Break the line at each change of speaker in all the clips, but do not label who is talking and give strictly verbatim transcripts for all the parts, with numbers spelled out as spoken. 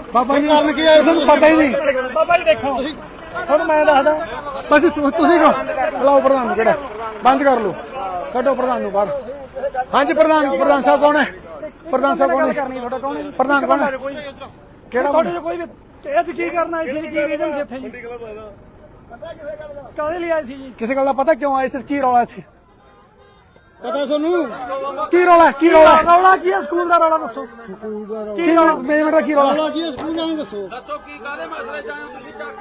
ਬਾਬਾ ਜੀ ਕਾਰਨ ਕੀ ਹੈ ਤੁਹਾਨੂੰ ਪਤਾ ਹੀ ਨਹੀਂ।
ਬਾਬਾ ਜੀ ਦੇਖੋ ਹੁਣ ਮੈਂ ਦੱਸਦਾ
ਬਸ ਤੁਸੀਂ ਕਹੋ ਬੁਲਾਓ ਪ੍ਰਧਾਨ ਨੂੰ, ਕਿਹੜਾ ਬੰਦ ਕਰ ਲਓ, ਕੱਢੋ ਪ੍ਰਧਾਨ ਨੂੰ ਬਾਹਰ। ਹਾਂਜੀ ਪ੍ਰਧਾਨ ਪ੍ਰਧਾਨ ਸਾਹਿਬ ਕੌਣ ਹੈ? ਪ੍ਰਧਾਨ ਸਾਹਿਬ ਕੌਣ ਹੈ? ਪ੍ਰਧਾਨ ਕੌਣ ਹੈ? ਕਿਹੜਾ
ਤੁਹਾਡੇ ਕੋਈ ਇਹ ਕੀ ਕਰਨਾ ਸੀ? ਕੀ ਰੀਜ਼ਨ ਸੀ ਇੱਥੇ ਜੀ? ਕਾਹਦੇ ਲਈ ਆਏ ਸੀ ਜੀ?
ਕਿਸੇ ਗੱਲ ਦਾ ਪਤਾ ਕਿਉਂ ਆਏ ਸੀ? ਕੀ ਰੌਲਾ ਇੱਥੇ ਪਤਾ ਤੁਹਾਨੂੰ? ਕੀ ਰੌਲਾ ਕੀ ਰੌਲਾ
ਰੌਲਾ ਕੀ ਹੈ? ਸਕੂਲ ਦਾ ਰੌਲਾ ਦੱਸੋ।
ਕੀ ਮੈਨੇਜਮੈਂਟ ਦਾ ਕੀ ਰੌਲਾ ਕੀ ਹੈ? ਸਕੂਲ ਦਾ ਦੱਸੋ।
ਦੱਸੋ ਕੀ ਕਾਹਦੇ ਮਸਲੇ ਚ ਆਏ ਹੋ ਤੁਸੀਂ? ਚੱਕ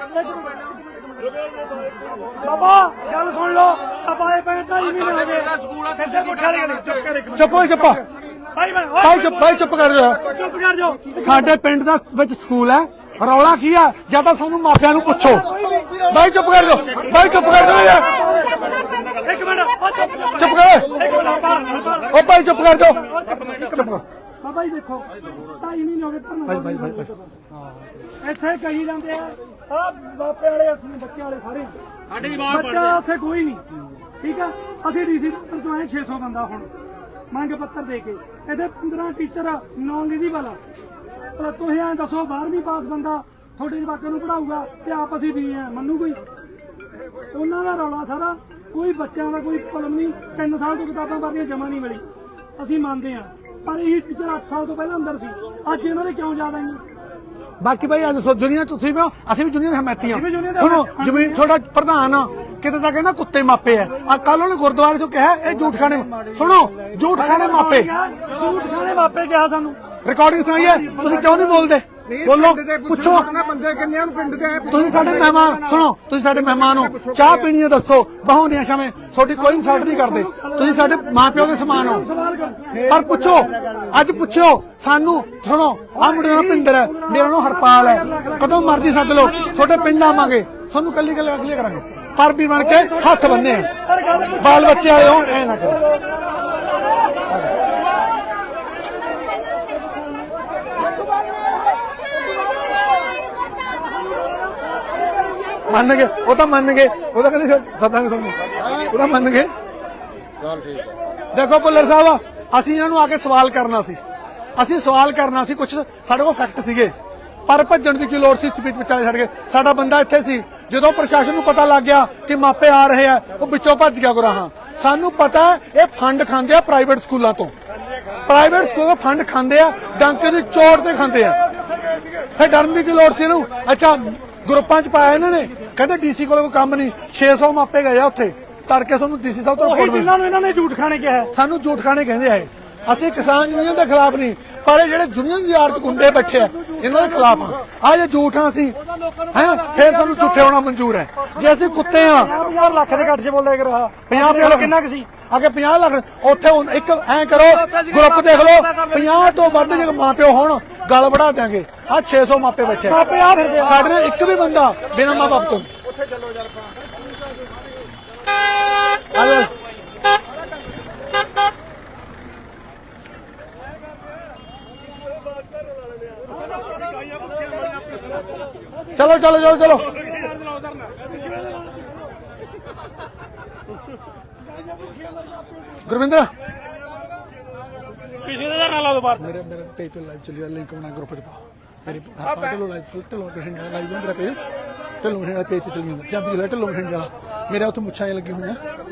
ਬਾਬਾ ਗੱਲ ਸੁਣ ਲਓ। ਆਪਾਂ ਇਹ ਪੈਂਟ ਢਾਈ ਮਹੀਨੇ ਹੋ ਗਏ ਸਿੱਧੇ ਪੁੱਠਾ ਲੈ ਗਏ। ਚੁੱਪ ਕਰ ਇੱਕ
ਚੁੱਪ ਹੋਈ ਚੁੱਪ
ਭਾਈ ਮੈਂ
ਭਾਈ ਚੁੱਪ ਭਾਈ ਚੁੱਪ ਕਰ ਜਾ।
ਚੁੱਪ ਕਰ ਜਾਓ।
ਸਾਡੇ ਪਿੰਡ ਦਾ ਵਿੱਚ ਸਕੂਲ ਹੈ, ਰੌਲਾ ਕੀ ਆ? ਜਾਂ ਤਾਂ ਸਾਨੂੰ ਮਾਪਿਆਂ ਨੂੰ ਪੁੱਛੋ। ਭਾਈ ਚੁੱਪ ਕਰ ਜਾਓ, ਭਾਈ ਚੁੱਪ ਕਰ ਜਾਓ ਯਾਰ।
ਇੱਕ ਮਿੰਟ
ਚੁੱਪ ਕਰ ਉਹ ਭਾਈ ਚੁੱਪ ਕਰ ਜਾਓ। ਚੁੱਪ ਕਰ
ਬਾਬਾ ਜੀ ਦੇਖੋ ਢਾਈ ਮਹੀਨੇ ਹੋ ਗਏ ਤੁਹਾਨੂੰ।
ਭਾਈ ਭਾਈ ਭਾਈ
ਇੱਥੇ ਕਹੀ ਜਾਂਦੇ ਆ ਆ ਬਾਪੇ ਵਾਲੇ ਅਸੀਂ ਬੱਚੇ ਵਾਲੇ ਸਾਰੇ
ਸਾਡੇ ਜਵਾਨ
ਬੱਚਾ ਉੱਥੇ ਕੋਈ ਨਹੀਂ। ਠੀਕ ਆ ਅਸੀਂ ਡੀਸੀ ਦਫ਼ਤਰ ਚੋਂ ਆਏ ਛੇ ਸੌ ਬੰਦਾ ਹੁਣ ਮੰਗ ਪੱਤਰ ਦੇ ਕੇ। ਇੱਥੇ ਪੰਦਰਾਂ ਟੀਚਰ ਨੌਨ ਐਲੀਜੀਬਲ ਆ। ਤੁਸੀਂ ਐਂ ਦੱਸੋ ਬਾਰਵੀਂ ਪਾਸ ਬੰਦਾ ਤੁਹਾਡੇ ਜਵਾਕਾਂ ਨੂੰ ਪੜਾਊਗਾ ਤੇ ਆਪ ਅਸੀਂ ਵੀ ਆ ਮੰਨੂ ਕੋਈ? ਉਹਨਾਂ ਦਾ ਰੌਲਾ ਸਾਰਾ ਕੋਈ ਬੱਚਿਆਂ ਦਾ ਕੋਈ ਕਲਮ ਨਹੀਂ। ਤਿੰਨ ਸਾਲ ਤੋਂ ਕਿਤਾਬਾਂ ਭਰਨੀਆਂ ਜਮਾ ਨਹੀਂ ਮਿਲੀ। ਅਸੀਂ ਮੰਨਦੇ ਹਾਂ ਪਰ ਇਹ ਟੀਚਰ ਅੱਠ ਸਾਲ ਤੋਂ ਪਹਿਲਾਂ ਅੰਦਰ ਸੀ। ਅੱਜ ਇਹਨਾਂ ਦੇ ਕਿਉਂ ਯਾਦ ਆਈਆਂ?
ਬਾਕੀ ਭਾਈ ਅੱਜ ਸੋ ਦੁਨੀਆ ਤੁਸੀਂ ਵੀ ਅਸੀਂ ਵੀ ਦੁਨੀਆ ਦੇ ਹਮਾਇਤੀਆਂ। ਸੁਣੋ ਜ਼ਮੀਨ ਤੁਹਾਡਾ ਪ੍ਰਧਾਨ ਕਿਤੇ ਤਾਂ ਕਹਿੰਦਾ ਕੁੱਤੇ ਮਾਪੇ ਆ। ਆ ਕੱਲ ਉਹਨੇ ਗੁਰਦੁਆਰੇ ਚੋਂ ਕਿਹਾ ਇਹ ਝੂਠ ਖਾਣੇ। ਸੁਣੋ ਝੂਠ ਖਾਣੇ ਮਾਪੇ
ਝੂਠ ਖਾਣੇ ਮਾਪੇ ਕਿਹਾ ਸਾਨੂੰ।
ਰਿਕਾਰਡਿੰਗ ਸੁਣਾਈ ਹੈ ਤੁਸੀਂ ਕਿਉਂ ਨਹੀਂ ਬੋਲਦੇ? ਬੋਲੋ ਪੁੱਛੋ।
ਬੰਦੇ ਕਿੰਨੇ ਨੂੰ ਪਿੰਡ ਦੇ
ਤੁਸੀਂ ਸਾਡੇ ਮਹਿਮਾਨ ਸੁਣੋ ਤੁਸੀਂ ਸਾਡੇ ਮਹਿਮਾਨ ਹੋ। ਚਾਹ ਪੀਣੀ ਹੈ ਦੱਸੋ ਬਹਾਉਂਦੀਆਂ ਸ਼ਾਵੇਂ ਤੁਹਾਡੀ ਕੋਈ ਇਨਸਲਟ ਨਹੀਂ ਕਰਦੇ। ਤੁਸੀਂ ਸਾਡੇ ਮਾਂ ਪਿਓ ਦੇ ਸਮਾਨ ਹੋ। ਪਰ ਪੁੱਛੋ ਅੱਜ ਪੁੱਛੋ ਸਾਨੂੰ। ਸੁਣੋ ਆਹ ਮੁੰਡੇ ਦਾ ਭਿੰਦਰ ਹੈ, ਮੇਰਾ ਨਾਮ ਹਰਪਾਲ ਹੈ। ਕਦੋਂ ਮਰਜ਼ੀ ਸੱਦ ਲਓ ਤੁਹਾਡੇ ਪਿੰਡ ਆਵਾਂਗੇ। ਤੁਹਾਨੂੰ ਕੱਲੀ ਕੱਲੀ ਅਗਲੀ ਕਰਾਂਗੇ। ਪਰ ਵੀ ਬਣ ਕੇ ਹੱਥ ਬੰਨੇ ਬਾਲ ਬੱਚੇ ਆਏ ਹੋ ਐ ਨਾ ਕਰੋ। ਮੰਨ ਗਏ ਉਹ ਤਾਂ ਮੰਨ ਗਏ। ਉਹ ਤਾਂ ਕਹਿੰਦੇ ਸੱਦਾਂਗੇ ਤੁਹਾਨੂੰ। ਉਹ ਤਾਂ ਮੰਨ ਗਏ। ਦੇਖੋ ਭੁੱਲਰ ਸਾਹਿਬ ਅਸੀਂ ਇਹਨਾਂ ਨੂੰ ਆ ਕੇ ਸਵਾਲ ਕਰਨਾ ਸੀ। ਅਸੀਂ ਸਵਾਲ ਕਰਨਾ ਸੀ। ਕੁਝ ਸਾਡੇ ਕੋਲ ਫੈਕਟ ਸੀਗੇ ਪਰ ਭੱਜਣ ਦੀ ਕੀ ਲੋੜ ਸੀ? ਸਪੀਚ ਵਿਚਾਲੇ ਛੱਡ ਕੇ ਸਾਡਾ ਬੰਦਾ ਇੱਥੇ ਸੀ। ਜਦੋਂ ਪ੍ਰਸ਼ਾਸਨ ਨੂੰ ਪਤਾ ਲੱਗ ਗਿਆ ਕਿ ਮਾਪੇ ਆ ਰਹੇ ਆ ਉਹ ਵਿੱਚੋਂ ਭੱਜ ਗਿਆ ਗੁਰਾਹਾਂ। ਸਾਨੂੰ ਪਤਾ ਇਹ ਫੰਡ ਖਾਂਦੇ ਆ ਪ੍ਰਾਈਵੇਟ ਸਕੂਲਾਂ ਤੋਂ। ਪ੍ਰਾਈਵੇਟ ਸਕੂਲ ਫੰਡ ਖਾਂਦੇ ਆ ਡਾਂਕੇ ਦੀ ਚੋਟ ਤੇ ਖਾਂਦੇ ਆ। ਫਿਰ ਡਰਨ ਦੀ ਕੀ ਲੋੜ ਸੀ ਇਹਨੂੰ? ਅੱਛਾ ਗਰੁੱਪਾਂ ਚ ਪਾਇਆ ਇਹਨਾਂ ਨੇ। ਕਹਿੰਦੇ ਡੀਸੀ ਕੋਲ ਕੋਈ ਕੰਮ ਨਹੀਂ। ਛੇ ਸੌ ਮਾਪੇ ਗਏ ਆ ਉੱਥੇ ਤੜਕੇ ਤੁਹਾਨੂੰ ਡੀਸੀ ਸਾਹਿਬ ਤੋਂ ਰਿਪੋਰਟ ਮਿਲੀ।
ਇਹਨਾਂ ਨੇ ਝੂਠ ਖਾਣੇ ਕਿਹਾ।
ਸਾਨੂੰ ਝੂਠ ਖਾਣੇ ਕਹਿੰਦੇ ਆ। ਅਸੀਂ ਕਿਸਾਨ ਯੂਨੀਅਨ ਦੇ ਖਿਲਾਫ ਨਹੀਂ ਪਰ ਇਹ ਜਿਹੜੇ ਯੂਨੀਅਨ ਦੀ ਆੜ ਚ ਗੁੰਡੇ ਬੈਠੇ ਆ ਇਹਨਾਂ ਦੇ ਖਿਲਾਫ ਆ। ਆ ਜੇ ਝੂਠ ਆ ਅਸੀਂ ਹੈ ਫਿਰ ਸਾਨੂੰ ਝੂਠੇ ਹੋਣਾ ਮਨਜ਼ੂਰ ਹੈ। ਜੇ ਅਸੀਂ ਕੁੱਤੇ ਆ
ਪੰਜਾਹ ਲੱਖ ਦੇ ਘੱਟ ਚ ਬੋਲਦਾ ਕਰ ਰਹਾ
ਪੰਜਾਹ
ਕਿੰਨਾ ਕੁ ਸੀ
ਅੱਗੇ ਪੰਜਾਹ ਲੱਖ ਉੱਥੇ ਇੱਕ ਐ ਕਰੋ ਗਰੁੱਪ ਦੇਖ ਲਓ ਪੰਜਾਹ ਤੋਂ ਵੱਧ ਜੇ ਮਾਂ ਪਿਓ ਹੋਣ ਗੱਲ ਵਧਾ ਦਿਆਂਗੇ। ਆ ਛੇ ਸੌ ਮਾਪੇ ਬੈਠੇ ਸਾਡੇ ਨਾਲ ਇੱਕ ਵੀ ਬੰਦਾ ਬਿਨਾਂ ਮਾਂ ਬਾਪ ਤੋਂ।
ਉੱਥੇ ਚੱਲੋ ਯਾਰ
ਚਲੋ ਚਲੋ ਚਲੋ ਚਲੋ ਗੁਰਵਿੰਦਰ
ਪਿਛਲੇ ਦਾ ਨਾ ਲਾ ਦੋ ਬਾਹਰ।
ਮੇਰੇ ਮੇਰੇ ਪੇਜ ਤੇ ਲਾਈਵ ਚੱਲੀ ਲਿੰਕ ਬਣਾ ਗਰੁੱਪ ਚ ਪਾ। ਮੇਰੀ ਢਿੱਲੋਂ ਲਾਈਵ ਢਿੱਲੋਂ ਬਠਿੰਡਾ ਲਾਈਵ ਮੇਰਾ ਪੇਜ ਢਿੱਲੋਂ ਬਠਿੰਡਾ ਪੇਜ ਤੇ ਚੱਲੀ ਜਾਂਦਾ। ਜਾਂ ਵੀ ਢਿੱਲੋਂ ਬਠਿੰਡਾ ਮੇਰੇ ਉੱਥੇ ਮੁੱਛਾਂ ਲੱਗੀਆਂ ਹੋਈਆਂ।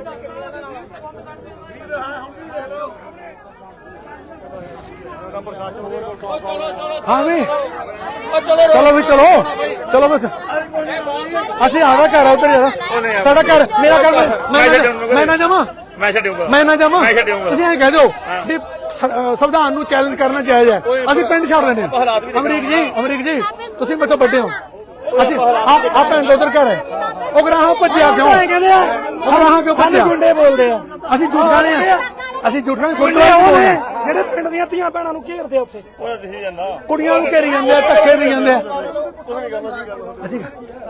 ਹਾਂ ਵੀ ਚਲੋ ਵੀ ਚਲੋ ਚਲੋ ਬਸ ਅਸੀਂ ਆਵਾ ਘਰ ਉਧਰ ਯਾਰ ਸਾਡਾ ਘਰ ਮੇਰਾ ਘਰ ਮੈਂ ਨਾ ਜਾਵਾਂ
ਮੈਂ ਛੱਡੂਗਾ
ਮੈਂ ਨਾ ਜਾਵਾਂ। ਤੁਸੀਂ ਐਂ ਕਹਿ ਦਿਓ ਵੀ ਸੰਵਿਧਾਨ ਨੂੰ ਚੈਲੰਜ ਕਰਨਾ ਜਾਇਜ਼ ਹੈ। ਅਸੀਂ ਪਿੰਡ ਛੱਡ ਦਿੰਦੇ ਹਾਂ। ਅਮਰੀਕ ਜੀ ਅਮਰੀਕ ਜੀ ਤੁਸੀਂ ਮੇਰੇ ਤੋਂ ਵੱਡੇ ਹੋ। ਅਸੀਂ ਆ ਪਿੰਡ ਉਧਰ ਘਰ ਹੈ। ਉਹ ਗਰਾਹਾਂ ਭੱਜਿਆ ਕਿਉਂ?
ਕਹਿੰਦੇ ਆ
ਗਰਾਹਾਂ ਕਿਉਂ ਭੱਜਿਆ?
ਗੁੰਡੇ ਬੋਲਦੇ ਆ।
ਅਸੀਂ ਝੂਠ ਖਾਣੇ ਆ। ਅਸੀਂ ਝੂਠ ਖਾਣੇ ਗੁਰਦੁਆਰੇ
ਜਿਹੜੇ ਪਿੰਡ ਦੀਆਂ ਧੀਆਂ ਭੈਣਾਂ ਨੂੰ ਘੇਰਦੇ ਉੱਥੇ
ਕੁੜੀਆਂ ਨੂੰ ਘੇਰੀ ਜਾਂਦੇ ਆ ਧੱਕੇ ਦੇ ਜਾਂਦੇ ਆ। ਅਸੀਂ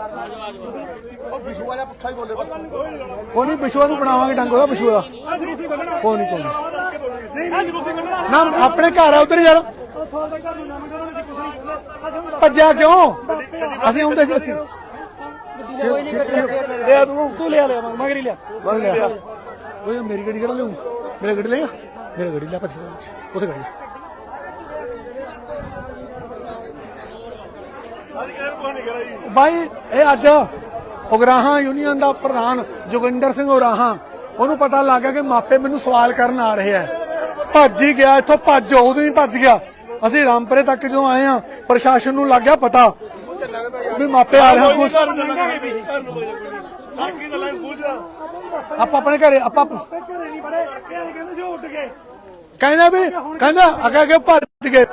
ਉਹ ਨਹੀਂ ਬਿਸ਼ੂਆ ਨੂੰ ਬਣਾਵਾਂਗੇ ਡੰਗ ਉਹਦਾ ਬਿਸ਼ੂਆ ਦਾ ਕੋਈ ਨਹੀਂ ਕੋਈ ਨਾ ਆਪਣੇ ਘਰ ਆ ਉਧਰ ਯਾਰ ਭੱਜਿਆ ਕਿਉਂ? ਅਸੀਂ ਆਉਂਦੇ ਸੀ ਅਸੀਂ
ਲਿਆ ਤੂੰ ਤੂੰ ਲਿਆ ਲਿਆ ਮਗਰੀ ਲਿਆ
ਲਿਆ ਉਹ ਮੇਰੀ ਗੱਡੀ ਕਿਹੜਾ ਲਿਆਉਂ? ਮੇਰੀ ਗੱਡੀ ਲਏਗਾ? ਮੇਰੀ ਗੱਡੀ ਲਿਆ ਭੱਜ ਉੱਥੇ ਗੱਡੀ ਬਾਈ ਇਹ ਅੱਜ ਉਗਰਾਹਾਂ ਯੂਨੀਅਨ ਦਾ ਪ੍ਰਧਾਨ ਜੋਗਿੰਦਰ ਸਿੰਘ ਉਗਰਾਹਾਂ ਉਹਨੂੰ ਪਤਾ ਲੱਗ ਗਿਆ ਕਿ ਮਾਪੇ ਮੈਨੂੰ ਸਵਾਲ ਕਰਨ ਆ ਰਹੇ ਆ, ਭੱਜ ਹੀ ਗਿਆ ਇੱਥੋਂ, ਭੱਜ ਉਦੋਂ ਹੀ ਭੱਜ ਗਿਆ। ਅਸੀਂ ਰਾਮਪੁਰੇ ਤੱਕ ਜਦੋਂ ਆਏ ਆ ਪ੍ਰਸ਼ਾਸਨ ਨੂੰ ਲੱਗ ਗਿਆ ਪਤਾ ਵੀ ਮਾਪੇ ਆ ਰਹੇ ਆ। ਆਪਾਂ ਆਪਣੇ ਘਰੇ ਆਪਾਂ
ਘਰੇ ਨਹੀਂ ਬੜੇ ਇਹ ਕਹਿੰਦੇ ਸੀ ਉੱਡ ਗਏ।
ਕਹਿੰਦਾ ਵੀ ਕਹਿੰਦਾ ਅੱਗੇ ਅੱਗੇ ਭੱਜ ਗਏ।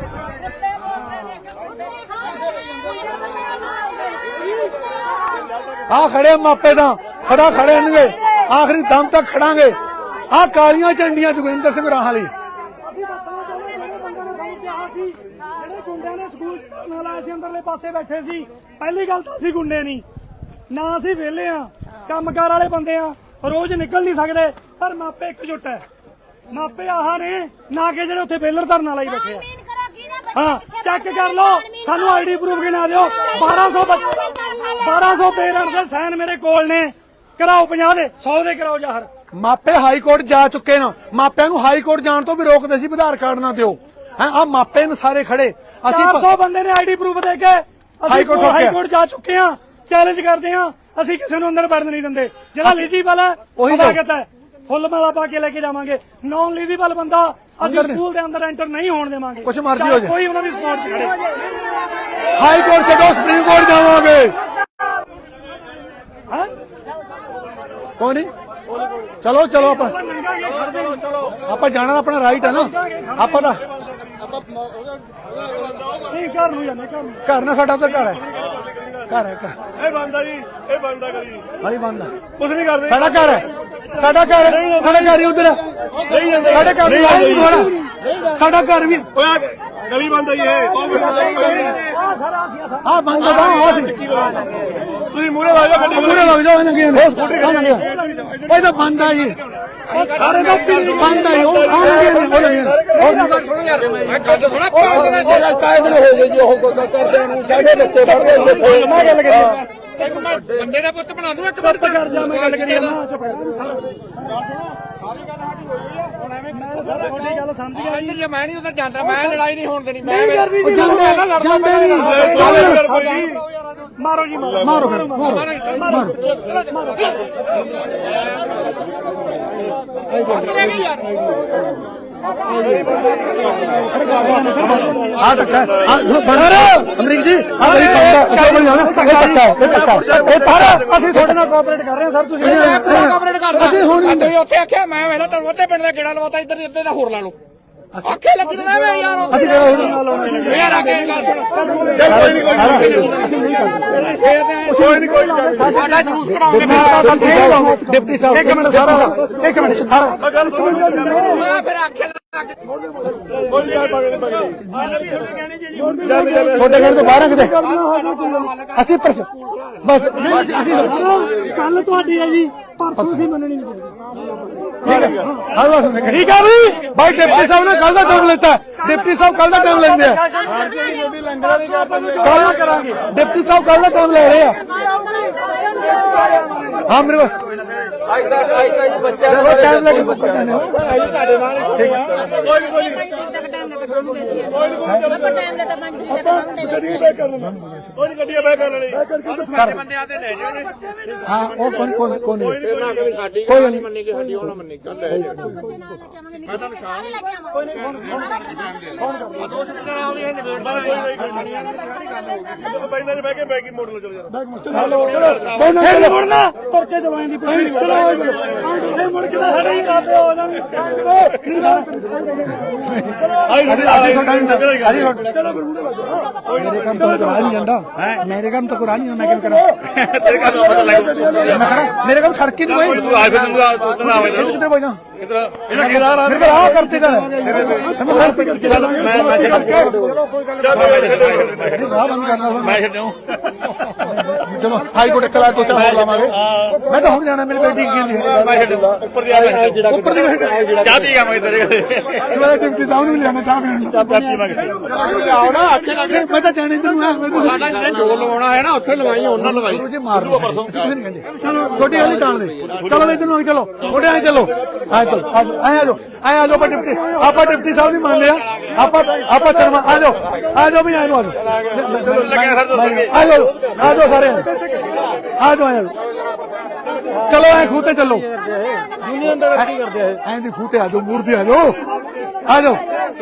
ਆ ਖੜੇ ਮਾਪੇ ਤਾਂ ਖੜਾ ਖੜੇ ਨੇਗੇ, ਆਖਰੀ ਦਮ ਤੱਕ ਖੜਾਂਗੇ। ਆ ਕਾਲੀਆਂ ਝੰਡੀਆਂ ਜੋਗਿੰਦਰ ਸਿੰਘ ਰਾਹਾਂ ਲਈ।
ਅਸੀਂ ਦੱਸਣਾ ਚਾਹੁੰਦੇ ਜਿਹੜੇ ਬੰਦੇ ਨੇ ਸਾਨੂੰ ਕਿਹਾ ਸੀ, ਜਿਹੜੇ ਗੁੰਡਿਆਂ ਨੇ ਸਕੂਲ ਨਾਲ ਆਏ ਸੀ ਅੰਦਰਲੇ ਪਾਸੇ ਬੈਠੇ ਸੀ। ਪਹਿਲੀ ਗੱਲ ਤਾਂ ਅਸੀਂ ਗੁੰਡੇ ਨਹੀਂ, ਨਾ ਅਸੀਂ ਵਿਹਲੇ ਆ, ਕੰਮਕਾਰ ਵਾਲੇ ਬੰਦੇ ਆ, ਰੋਜ਼ ਨਿਕਲ ਨਹੀਂ ਸਕਦੇ। ਪਰ ਮਾਪੇ ਇਕਜੁੱਟ ਹੈ, ਮਾਪੇ ਆਹ ਨੇ ਨਾ ਕਿ ਜਿਹੜੇ ਉੱਥੇ ਬੇਲਰ ਧਰਨਾ ਲਾਈ ਬੈਠੇ ਆ। ਹਾਂ ਚੈੱਕ ਕਰ ਲਓ, ਸਾਨੂੰ ਆਈਡੀ ਪ੍ਰੂਫ ਗਿਣਾ ਦਿਓ। ਬਾਰਾਂ ਸੌ ਬੱਚੇ ਬਾਰਾਂ ਸੌ ਪੇਰੈਂਟਸ ਦੇ ਸਾਈਨ ਮੇਰੇ ਕੋਲ ਨੇ। ਕਰਾਓ ਪੰਜਾਹ ਦੇ, ਸੌ ਦੇ ਕਰਾਓ ਜ਼ਾਹਰ।
ਮਾਪੇ ਹਾਈ ਕੋਰਟ ਜਾ ਚੁੱਕੇ ਨੇ, ਮਾਪਿਆਂ ਨੂੰ ਹਾਈ ਕੋਰਟ ਜਾਣ ਤੋਂ ਵੀ ਰੋਕਦੇ ਸੀ, ਆਧਾਰ ਕਾਰਡ ਨਾ ਦਿਓ। ਹੈ ਆ ਮਾਪੇ ਨੇ ਸਾਰੇ ਖੜੇ। ਅਸੀਂ
ਚਾਰ ਸੌ ਬੰਦੇ ਨੇ ਆਈਡੀ ਪ੍ਰੂਫ ਦੇ ਕੇ
ਹਾਈ ਕੋਰਟ
ਹਾਈ ਕੋਰਟ ਜਾ ਚੁੱਕੇ ਆ। ਚੈਲੰਜ ਕਰਦੇ ਆ, ਅਸੀਂ ਕਿਸੇ ਨੂੰ ਅੰਦਰ ਵੜਨ ਨਹੀਂ ਦਿੰਦੇ। ਜਿਹੜਾ ਐਲੀਜੀਬਲ ਹੈ
ਉਹੀ
ਸਵਾਗਤ ਹੈ, ਫੁੱਲ ਮਾਲਾ ਪਾ ਕੇ ਲੈ ਕੇ ਜਾਵਾਂਗੇ। ਨਾਨ ਐਲੀਜੀਬਲ ਬੰਦਾ ਅਸੀਂ ਸਕੂਲ ਦੇ ਅੰਦਰ ਐਂਟਰ ਨਹੀਂ ਹੋਣ ਦੇਵਾਂਗੇ।
ਕੁਛ ਮਰਜ਼ੀ ਹੋ ਜਾਏ,
ਕੋਈ ਉਹਨਾਂ ਦੀ ਸਪੋਰਟ ਚ ਖੜੇ।
ਹਾਈ ਕੋਰਟ ਛੱਡੋ, ਸੁਪਰੀਮ ਕੋਰਟ ਜਾਵਾਂਗੇ।
ਹਾਂ
ਕੋਈ ਨਹੀਂ, ਚਲੋ ਚਲੋ ਆਪਾਂ
ਨੰਗਾਂਗੇ, ਖੜਦੇ ਨਹੀਂ।
ਆਪਾਂ ਜਾਣਾ, ਆਪਣਾ ਰਾਈਟ ਹੈ ਨਾ। ਆਪਾਂ ਤਾਂ
ਨਹੀਂ ਘਰ ਨੂੰ ਜਾਂਦੇ, ਘਰ ਨੂੰ।
ਘਰ ਨਾ, ਸਾਡਾ ਤਾਂ ਘਰ ਹੈ, ਘਰ ਹੈ ਘਰ।
ਇਹ ਬੰਦਾ ਜੀ, ਇਹ ਬੰਦਾ ਗਲੀ
ਹਾਲੀ ਬੰਦ ਹੈ,
ਕੁਝ ਨਹੀਂ ਕਰਦੇ।
ਸਾਡਾ ਘਰ ਹੈ, ਸਾਡਾ ਘਰ ਹੈ, ਸਾਡਾ ਘਰ ਹੀ ਉਧਰ
ਨਹੀਂ ਜਾਂਦੇ,
ਸਾਡੇ ਘਰ ਨਹੀਂ ਆਉਂਦੇ। ਸਾਡਾ ਘਰ ਵੀ
ਓਏ ਗਲੀ ਬੰਦ ਹੈ ਇਹ। ਉਹ ਬੰਦਾ
ਆਹ ਸਾਰਾ ਅਸੀਂ ਆਹ
ਆ ਬੰਦ ਦਾ ਉਹ ਸੀ।
ਤੁਸੀਂ ਮੂਹਰੇ ਲਾ ਜਾਓ ਗੱਡੀ।
ਪੂਰੇ ਲੱਗ ਜਾਓ ਇਹਨਾਂ ਨੂੰ। ਉਹ ਤਾਂ ਬੰਦ ਆ ਜੀ, ਸਾਰੇ ਦਾ ਬੰਦ ਆ ਜੀ। ਉਹ ਆਉਣਗੇ ਨਹੀਂ, ਉਹ ਨਹੀਂ
ਮੈਂ ਗੱਲ ਸੁਣਾ ਕਾਇਦ ਹੋ ਗਏ ਜੀ। ਉਹ ਕਰਦੇ ਨੂੰ ਸਾਡੇ ਬੱਚੇ ਪੜ੍ਹਦੇ
ਮੈਂ ਗੱਲ ਕਰੀ।
ਇੱਕ ਮਿੰਟ ਬੰਦੇ ਦਾ ਪੁੱਤ ਬਣਾ ਦੂੰ। ਇੱਕ
ਚੁੱਪ ਕਰ ਜਾ, ਮੈਂ ਗੱਲ ਕਰੀ ਨਾ। ਚੁੱਪ ਕਰ ਸਾਰਾ ਤੁਹਾਡੀ ਗੱਲ ਸਮਝ ਗਿਆ ਜੀ।
ਜੇ ਮੈਂ ਨਹੀਂ ਉਧਰ ਜਾਂਦਾ, ਮੈਂ ਲੜਾਈ ਨਹੀਂ ਹੋਣ ਦੇਣੀ। ਮੈਂ
ਨਹੀਂ ਕਰਨੀ ਜੀ,
ਜਾਂਦੇ ਜਾਂਦੇ ਨਹੀਂ।
ਮਾਰੋ ਜੀ, ਮਾਰੋ
ਮਾਰੋ ਫਿਰ, ਮਾਰੋ ਮਾਰੋ। ਆ ਧੱਕਾ ਆ ਬਨਰ ਅਮਰੀਕ ਜੀ, ਆ ਬੜੀ ਬੰਦਾ ਇਹ ਬੜੀ ਨਾ ਇਹ ਧੱਕਾ ਇਹ ਧੱਕਾ ਇਹ ਤਾਰਾ।
ਅਸੀਂ ਤੁਹਾਡੇ ਨਾਲ ਕੋਆਪਰੇਟ ਕਰ ਰਹੇ ਹਾਂ ਸਰ। ਤੁਸੀਂ
ਕੋਆਪਰੇਟ ਕਰਦਾ।
ਅਸੀਂ ਹੁਣ ਨਹੀਂ
ਤੁਸੀਂ ਉੱਥੇ ਆਖਿਆ ਮੈਂ ਵੇਲਾ ਤਾਂ ਉੱਥੇ ਪਿੰਡ ਦਾ ਗੇੜਾ ਲਵਾਤਾ, ਇੱਧਰ ਇੱਧਰ ਦਾ ਹੋਰ ਲਾ ਲਓ। ਆਖੇ ਲੱਗੀ ਨਾ ਮੈਂ ਯਾਰ ਉੱਥੇ
ਅਸੀਂ ਕਿਹੜਾ ਹੁਣ
ਯਾਰ ਆ ਕੇ ਗੱਲ ਸੁਣ।
ਚੱਲ ਕੋਈ ਨਹੀਂ, ਕੋਈ ਨਹੀਂ, ਕੋਈ ਨਹੀਂ।
ਸਾਡਾ ਜਲੂਸ ਕਰਾਉਂਗੇ।
ਡਿਪਟੀ ਸਾਹਿਬ ਇੱਕ ਮਿੰਟ ਸਾਰਾ ਇੱਕ ਮਿੰਟ ਸਾਰਾ
ਗੱਲ ਸੁਣੋ।
ਮੈਂ ਫਿਰ ਆਖੇ
ਕੋਈ ਗੱਲ ਬਾਗੇ ਨਹੀਂ ਬਾਗੇ। ਚੱਲ ਚੱਲ
ਤੁਹਾਡੇ ਘਰ ਤੋਂ ਬਾਹਰ ਕਿਤੇ ਅਸੀਂ ਬਸ ਨਹੀਂ ਅਸੀਂ ਅਸੀਂ
ਕੱਲ ਤੁਹਾਡੀ ਹੈ ਜੀ, ਪਰਸੋਂ ਅਸੀਂ ਮੰਨਣੀ ਨਹੀਂ ਪਊਗੀ।
ਹਰ ਵਾਰ ਸੁਣਨੇ ਠੀਕ ਆ ਵੀ ਭਾਈ ਡਿਪਟੀ ਸਾਹਿਬ ਨੇ ਕੱਲ ਦਾ ਟਾਈਮ ਲੈਤਾ। ਡਿਪਟੀ ਸਾਹਿਬ ਕੱਲ ਦਾ ਟਾਈਮ ਲੈਂਦੇ ਆ। ਕੱਲ ਕਰਾਂਗੇ, ਡਿਪਟੀ ਸਾਹਿਬ ਕੱਲ ਦਾ ਟਾਈਮ ਲੈ ਰਹੇ ਆ। ਹਾਂ ਮੇਰੇ ਕੋਲ ਟਾਈਮ ਲੈ ਕੇ ਬੱਚੇ ਜਾਣੇ
ਕੋਈ ਕੋਈ ਕੋਈ ਨਹੀਂ ਗੱਡੀਆਂ ਬੈ ਕਰ ਲੈਣੀ।
ਬੰਦਿਆਂ ਤੇ ਲੈ ਜਾਓ।
ਹਾਂ ਉਹ ਕੌਣ ਕੌਣ ਕੌਣ
ਸਾਡੀ
ਕੋਈ ਨਹੀਂ
ਮੰਨੀ ਕਿ ਸਾਡੀ ਉਹ ਨਾ ਮੰਨੀ ਗੱਲ ਹੈ। ਮੈਂ ਤੁਹਾਨੂੰ ਸ਼ਾਮ ਦੋ ਸਪੀਕਰ ਆਉਣੀ ਹੈ
ਪਹਿਲਾਂ ਬੈ ਕੇ ਬੈਗੀ ਮੋੜ ਲਓ। ਚਲੋ ਯਾਰ
ਕੋਈ ਨਾ ਮੁੜਨਾ, ਤੁਰ ਕੇ ਦਵਾਈ ਦੀ ਪਈ। ਚਲੋ ਇਹ ਮੁੜ ਕੇ ਸਾਡੇ ਹੀ ਕਰਦੇ ਹੋ ਇਹਨਾਂ ਨੂੰ।
ਆਈ
ਮੇਰੇ ਕੰਮ ਤੋਂ ਕੁਰਾਨ ਨਹੀਂ ਜਾਂਦਾ, ਮੇਰੇ ਕੰਮ ਤੋਂ ਕੁਰਾਨ ਨਹੀਂ, ਮੈਂ ਕਿਵੇਂ ਕਰਾਂ?
ਤੇਰੇ ਘਰ ਦਾ ਪਤਾ ਲੱਗ
ਮੈਂ ਕਰਾਂ ਮੇਰੇ ਕੰਮ ਸੜਕੀ ਨਹੀਂ ਕੋਈ
ਆ ਫਿਰ ਤੂੰ ਆ ਆਵੇ
ਕਿੱਥੇ ਬੋਲਾਂ
ਇਧਰ ਇਹਦਾ ਕਿਹਦਾ ਰਾਹ
ਫਿਰ ਆ ਕਰਤੇ ਕਰ ਮੈਂ ਗਲਤੀ ਕਰਕੇ
ਚੱਲ ਮੈਂ ਮੈਂ ਛੱਡ ਕੇ
ਨਹੀਂ ਰਾਹ ਬੰਦ ਕਰਨਾ
ਮੈਂ ਛੱਡੂ।
ਚਲੋ ਹਾਈ ਕੋਰਟ ਕਲਾ ਤੋਂ ਚਲਾ ਲਾਵਾਂਗੇ। ਮੈਂ ਤਾਂ ਹੁਣ ਜਾਣਾ, ਮੇਰੀ ਬੇਟੀ ਕੀ ਹੈ
ਮੈਂ ਛੱਡੂ ਉੱਪਰ ਦੀ ਆ ਜਿਹੜਾ
ਉੱਪਰ ਦੀ
ਚਾਹ ਪੀ ਗਿਆ ਮੈਂ ਤੇਰੇ
ਮੈਂ ਡਿਪਟੀ ਸਾਹਿਬ ਨੂੰ ਲਿਆਣਾ ਚਾਹ ਪੀਣ
ਚਾਹ ਪੀ ਮੈਂ
ਜਾਓ ਨਾ ਆਖੇ ਲੱਗ
ਮੈਂ ਤਾਂ ਜਾਣੇ ਤੈਨੂੰ ਆ
ਸਾਡਾ ਜਿਹੜੇ ਜੋਰ ਲਵਾਉਣਾ ਹੈ ਨਾ ਉੱਥੇ ਲਵਾਈ ਉਹਨਾਂ ਲਵਾਈ।
ਗੁਰੂ ਜੀ ਮਾਰ ਲਓ ਤੁਸੀਂ ਨਹੀਂ ਕਹਿੰਦੇ। ਚਲੋ ਛੋਟੀ ਵਾਲੀ ਟਾਲ ਦੇ, ਚਲੋ ਇਧਰ ਨੂੰ ਚਲੋ, ਥੋੜੇ ਆਏ ਚਲੋ ਆ ਚਲੋ ਆ ਜਾਓ ਆਏ ਆ ਜਾਓ ਆਪਾਂ ਡਿਪਟੀ ਆਪਾਂ ਡਿਪਟੀ ਸਾਹਿਬ ਦੀ ਮੰਨ ਲਿਆ ਆਪਾਂ ਆਪਾਂ ਸ਼ਰਮਾ ਆ ਜਾਓ ਆ ਜਾਓ ਵੀ ਆ ਜਾਓ ਆ ਜਾਓ ਆ ਜਾਓ ਸਾਰੇ ਆ ਜਾਓ ਆ ਜਾਓ ਚਲੋ ਐ ਖੂਹ ਤੇ ਚੱਲੋ
ਯੂਨੀਅਨ ਦਾ ਕੀ ਕਰਦੇ ਆ
ਐਂ ਦੀ ਖੂਹ ਤੇ ਆ ਜਾਓ ਮੂਰਤੀ ਆ ਜਾਓ ਆ ਜਾਓ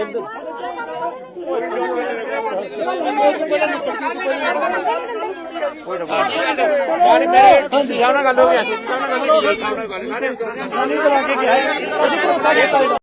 ਯਾਰ ਮੇਰੇ ਸਿਆਣਾ ਗੱਲ ਹੋ ਗਿਆ ਸਿਆਣਾ ਗੱਲ ਹੋ ਗਈ